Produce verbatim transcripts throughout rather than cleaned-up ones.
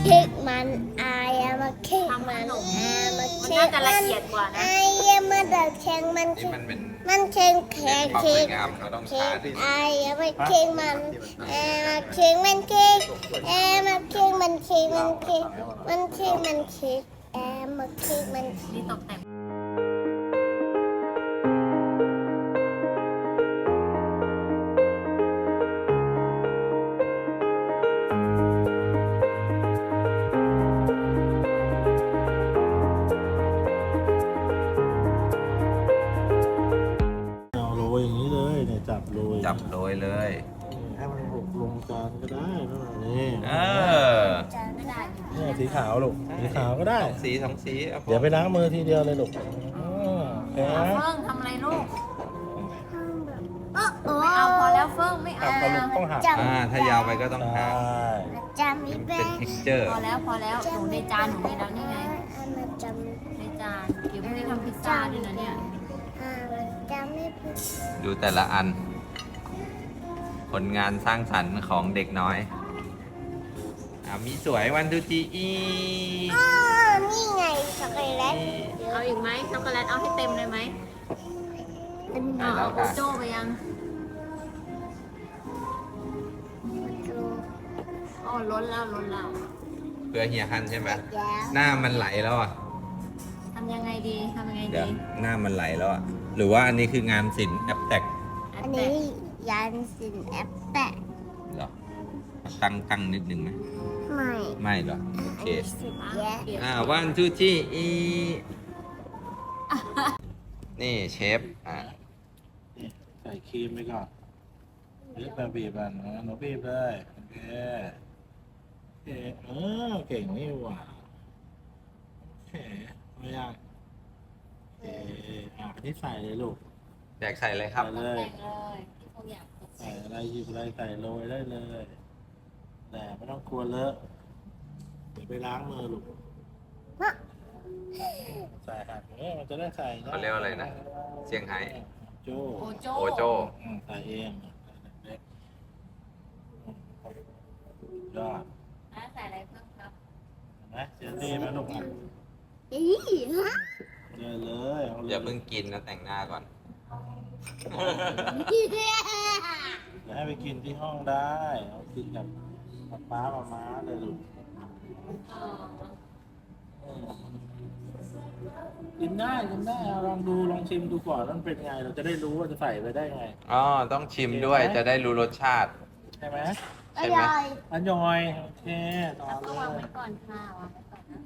ค้กมันไอ้มาเค้กมันไอ้มาเค้กมันน่าจะละเอียดกว่านะไอ้มาดัดแข็งมันเค้กมันเค้กแข็งเค้กเค้กไอ้มาเค้กมันไอ้มาเค้กมันเค้กไอ้มาเค้กมันเค้กมันเค้กมันเค้กมันเค้กไอ้มาเค้กมันนี่ตกแต่งจับโรยจับโรยเลยให้มันหกลงจานก็ได้นั่นนี่เออเนี่ยสีขาวลูกสีขาวก็ได้สีสองสีเดี๋ยวไปล้างมือทีเดียวเลยลูกเฟิ่งทำอะไรลูกไม่เอาพอแล้วเฟิ่งไม่เอาต้องหักอ่าถ้ายาวไปก็ต้องหักเป็น texture พอแล้วพอแล้วหนูในจานหนูมีแล้วนี่ไงในจานเดี๋ยวพรุ่งนี้ทำพิซซ่าด้วยนะเนี่ยดูแต่ละอันผลงานสร้างสรรค์ของเด็กน้อยอ่ามีสวยวันทูจีอีอ๋อนี่ไงช็อกโกแลตเอาอีกไหมช็อกโกแลตเอาให้เต็มเลยไหมเอาเอาโกโจ้ไปยังอ๋อล้นแล้วล้นแล้วเพื่อเฮียฮันใช่ไหมหน้ามันไหลแล้วอ่ะทำยังไงดีทำยังไงดีหน้ามันไหลแล้วอ่ะหรือว่าอันนี้คืองานศิลป์แอปแตกอันนี้ยานศิลป์แอปแตกเหรอตั้งตั้งนิดนึงไหมไม่ไม่เหรอโอเคอ่าวันทูจีอีนี่เชฟอ่าใส่ครีมไปก่อนบีบแบบบีบอ่ะหนูบีบเลยโอเคโอเคเออเก่งนี่หว่าโอเคไม่ยากโอเคอ่าที่ใส่เลยลูกอยากใส่อะไรครับใส่เลยที่เขาอยากใส่อะไรหยิบอะไรใส่โรยได้เลยแต่ไม่ต้องกลัวเลอะเดี๋ยวไปล้างมือลูกใส่หักเนี่ยมันจะได้ใส่เขาเรียกอะไรนะเซี่ยงไฮ้โจโอโจโอโจใส่เองเล็กยอดใส่อะไรเพิ่มครับนะเจลลี่มาลูกอ่ะอีฮะเลยเลยอย่าเพิ่งกินนะแต่งหน้าก่อนจะให้ไปกินที่ห้องได้เอากินกับป๊าป๊ามาม้าเลยลูกกินได้กินได้ลองดูลองชิมดูก่อนมันเป็นไงเราจะได้รู้ว่าจะใส่ไปได้ไงอ๋อต้องชิมด้วยจะได้รู้รสชาติใช่ไหมใช่ไหมอร่อยโอเคต่อเลยวางไว้ก่อนค่ะวางไว้ก่อนนะ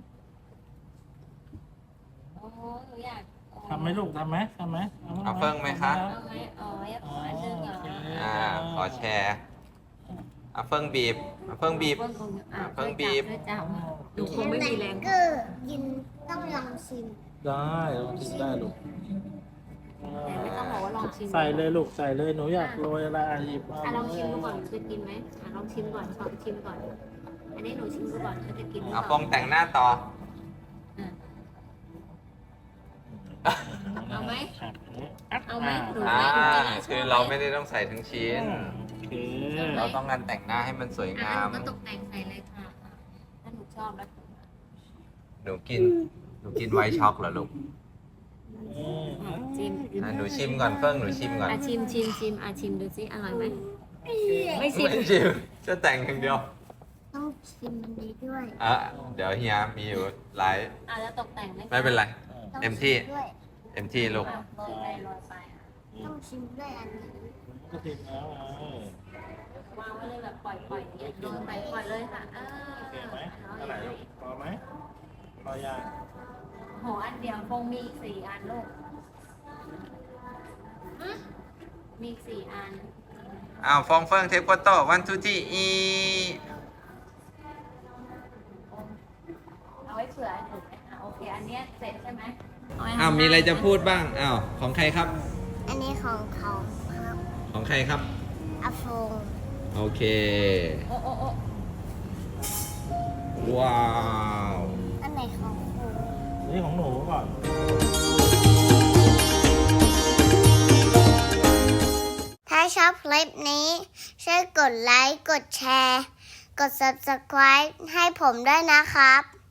โอ้หนูอยากทำไหมลูกทำไหมทำไหมเอาเฟิ่งไหมคะเอาไหมอ๋อขออันนึงเหรออ่าขอแชร์เอาเฟิ่งบีบเอาเฟิ่งบีบเอาเฟิ่งบีบดูคงไม่มีแรงก็กินต้องลองชิมได้ลองชิมได้ลูกแต่ไม่ต้องบอกว่าลองชิมใส่เลยลูกใส่เลยหนูอยากโรยอะไรหยิบอ่ะลองชิมดูก่อนจะกินไหมอ่ะลองชิมก่อนลองชิมก่อนอันนี้หนูชิมดูก่อนว่าจะกินหรือเปล่าเอาฟองแต่งหน้าต่อเอาไหมเอาไหมหนูอ่าคือเราไม่ได้ต้องใส่ทั้งชิ้นเราต้องการแต่งหน้าให้มันสวยงามก็ตกแต่งใส่เลยค่ะถ้าหนูชอบแล้วหนูกินหนูกินไวท์ช็อกเหรอลูกชิมหนูชิมก่อนเฟิ่งหนูชิมก่อนอ่ะชิมชิมชิมอ่ะชิมดูสิอร่อยไหมไม่ชิมไม่ชิมจะแต่งอย่างเดียวต้องชิมมันนี้ด้วยอ่ะเดี๋ยวเฮียมีอยู่หลายอ่ะแล้วตกแต่งไม่เป็นไรเต็มที่เต็มที่ลูกต้องชิมด้วยอันนี้ก็ชิมแล้ววางไว้เลยแบบปล่อยปล่อยอย่าโดนไปปล่อยเลยค่ะเออโอเคไหมเท่าไหร่ลูกพอไหมพอยางโหอันเดียวคงมีสี่อันลูกมีสี่อันอ้าวฟองเฟิงเทปโคโต้วันทูจีอีเอาไว้เผื่อถูกไหมอ่ะโอเคอันนี้เสร็จใช่ไหมอ้าวมีอะไรจะพูดบ้างอ้าวของใครครับอันนี้ของเขาครับของใครครับอาฟงโอเคโอ้โอ้โอ้ว้าวอันไหนของคุณนี่ของหนูก่อนถ้าชอบคลิปนี้ช่วยกดไลค์กดแชร์กด ซับสไครบ์ ให้ผมด้วยนะครับ